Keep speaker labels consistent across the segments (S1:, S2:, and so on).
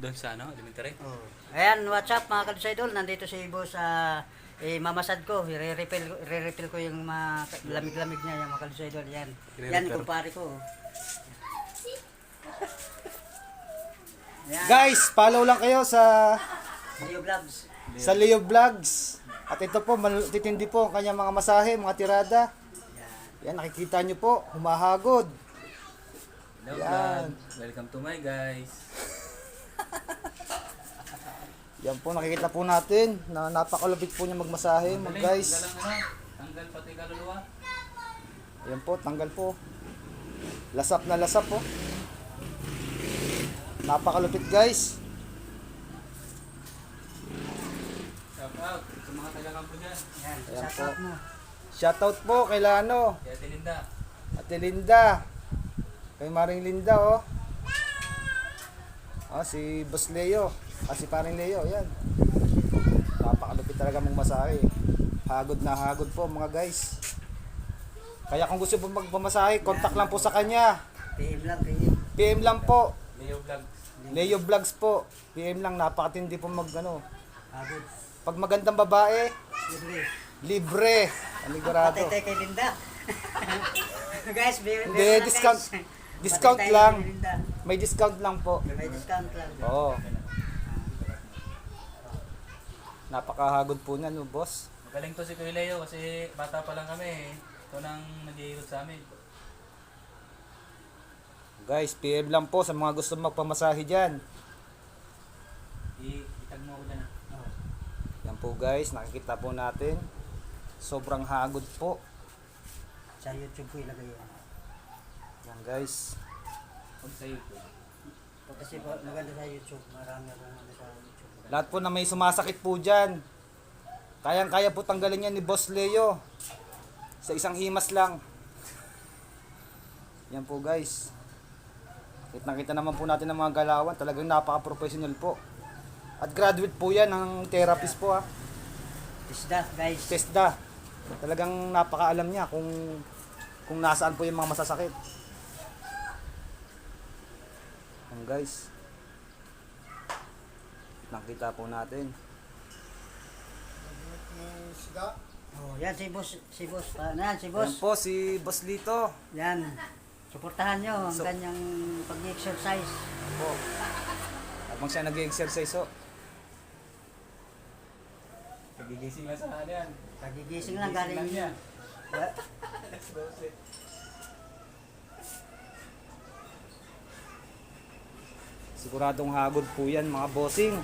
S1: Doon sa ano, elementary?
S2: Oh. Ayan, what's up mga Kalodyo Idol? Nandito si boss sa mamasad ko. Re-refill ko yung mga lamig-lamig niya, yung mga Kalodyo Idol. Yan. Yan, kumpare ko. Yan.
S3: Guys, follow lang kayo sa
S2: Leo Vlogs.
S3: Leo Vlogs. At ito po, titindi po ang kanyang mga masahe, mga tirada. Yan, nakikita nyo po, humahagod.
S1: Hello,
S3: Yan.
S1: vlog. Welcome to my guys.
S3: Yan po, nakikita po natin na napakalupit po niya magmasahe, mga guys.
S1: Tanggal pati kaluluwa.
S3: Yan po, tanggal po. Lasap na lasap po. Napakalupit guys.
S1: Shout out sa mga taga-kampo dyan.
S2: Yan,
S3: Ayan
S2: shout out mo.
S3: Shoutout po kay Lano,
S1: Kaya Tilinda.
S3: Ate Linda, kay Maring Linda oh. Si Boss Leo, si Paring Leo, yan. Napakalupit talaga mong masahe. Hagod na hagod po mga guys. Kaya kung gusto po magpamasahe, contact lang po sa kanya.
S2: PM lang, PM.
S3: PM lang po.
S1: Leo Vlogs.
S3: Leo Vlogs po. PM lang, napakatindi po
S2: Agad.
S3: Pag magandang babae,
S2: Libre.
S3: libre. Anigurado.
S2: Patay tayo kay Linda. Guys,
S3: Hindi, discount.
S2: Guys.
S3: Discount
S2: Patay tayo
S3: lang.
S2: kay Linda.
S3: May discount lang po.
S2: May discount lang.
S3: Oo. Napakahagod po niyan, no, boss.
S1: Magaling to si Kuya Leo kasi bata pa lang kami. Ito nang nag-iirot sa amin.
S3: Guys, PM lang po sa mga gusto magpamasahe dyan.
S1: Itag mo ako dyan ah.
S2: Oh.
S3: Yan po guys, nakikita po natin. Sobrang hagod po.
S2: Sa YouTube ko ilagay yan.
S3: Yan guys.
S1: Huwag sa YouTube.
S2: Kasi maganda sa YouTube. Marami akong ano sa YouTube.
S3: Lahat po na may sumasakit po dyan. Kayang-kaya po tanggalin yan ni Boss Leo. Sa isang himas lang. Yan po guys. Nakita naman po natin ang mga galawan. Talagang napaka-professional po. At graduate po yan ng therapist po ha.
S2: Tisda, guys.
S3: TESDA. Talagang napakaalam niya kung nasaan po yung mga masasakit. Yan guys. Nakita po natin.
S2: Oh, yan si boss, yan si boss.
S3: Yan po si Boss Lito.
S2: Yan. Suportahan nyo ang
S3: So-
S2: kanyang pag-exercise.
S3: Po. Habang siya nag-exercise oh.
S1: Nagigising lang sa ano yan.
S2: Pagigising lang
S1: Nagigising
S2: galing
S1: niya.
S2: What?
S1: Alas 12.
S3: Siguradong hagod po yan mga bossing.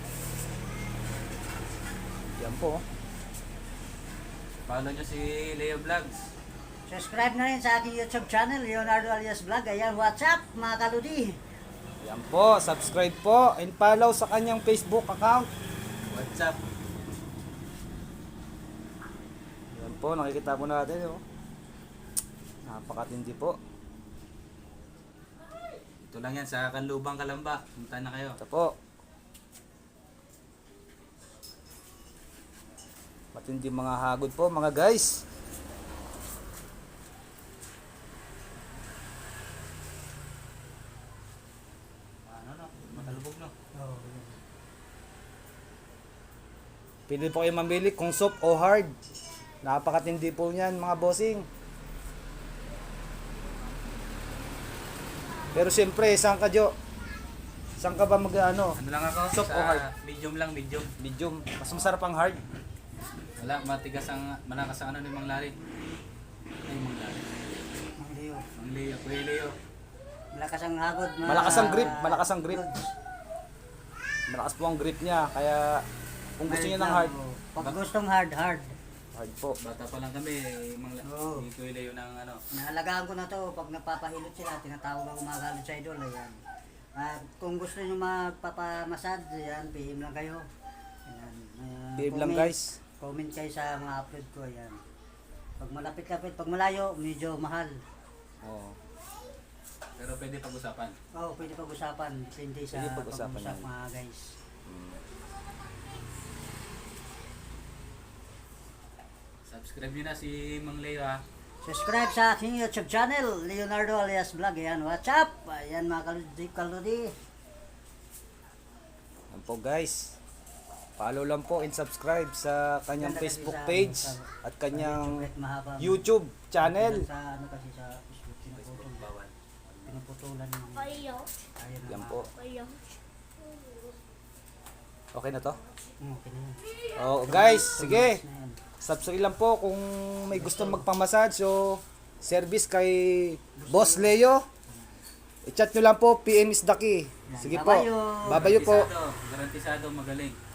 S3: Yan po.
S1: Follow nyo si Leo Vlogs.
S2: Subscribe na rin sa aking YouTube channel, Leonardo Alias Vlog. Ayan, what's up mga kaludi?
S3: Yan po. Subscribe po and follow sa kanyang Facebook account.
S1: What's up?
S3: Yan po. Nakikita po natin oh. Napakatindi po.
S1: Ito lang yan sa Kanlubang, Kalamba. Punta na kayo.
S3: Ito po. Matindi mga hagod po mga guys.
S1: Ano no? Matalubog no?
S2: Oh,
S3: Pili po kayo mamili kung soft o hard. Napakatindi po niyan mga bossing. Pero siyempre, saan ka Jo? Saan ka ba mag-ano?
S1: Ano lang ako?
S3: Soft o hard?
S1: Medium lang, medium.
S3: Medium. Mas masarap ang hard.
S1: Wala, matigas ang, malakas ang ano ni Mang Larry. Ay, Mang Larry.
S2: Mang Leo.
S1: Mang Leo, Kuya Leo.
S2: Malakas ang hagod.
S3: Malakas ang grip, malakas ang grip. Malakas po ang grip niya. Kaya kung gusto niyo ng hard,
S2: Pag gustong hard.
S3: hard po.
S1: Bata pa lang kami, Mang
S2: Oo.
S1: Larry. Kuya Leo ng ano.
S2: Naalagaan ko na to. Pag napapahilot sila, tinatawag ako mga kalod sa idol. Ayan. At kung gusto nyo magpapamasad, ayan, PM lang kayo. Ayan.
S3: PM lang
S2: Comment-
S3: guys.
S2: Comment kayo sa mga upload ko. Ayan. Pag malapit-lapit, pag malayo, medyo mahal.
S3: Oo.
S1: Pero pwede pag-usapan.
S2: Oo, pwede pag-usapan. Depende sa
S3: Pwede pag-usapan
S2: pag-usap
S3: yan.
S2: mga guys.
S1: Subscribe nyo na si Mang Leo ha.
S2: Subscribe sa aking YouTube channel, Leonardo Alias Vlog. Ayan, what's up? Ayan mga kaludi.
S3: po guys. Follow lang po and subscribe sa kanyang
S2: Ganda kasi
S3: Facebook
S2: sa,
S3: page
S2: sa-
S3: at kanyang
S2: Kahit mahaba.
S3: YouTube channel.
S2: Sa ano kasi sa Facebook, pinuputol.
S1: Bawal.
S2: Pinuputulan yung...
S4: Kayo.
S2: Ayun
S3: Yan
S2: na,
S3: po.
S4: Kayo.
S3: Okay na to?
S2: Okay na yun.
S3: Oh, guys, sige.
S2: Na yan.
S3: Subscribe lang po kung may gusto magpamassage o service kay Boss Leo. I-chat nyo lang po, PM is the key. Sige po.
S2: Babayo.
S3: Babayo po.
S1: Garantisado, magaling.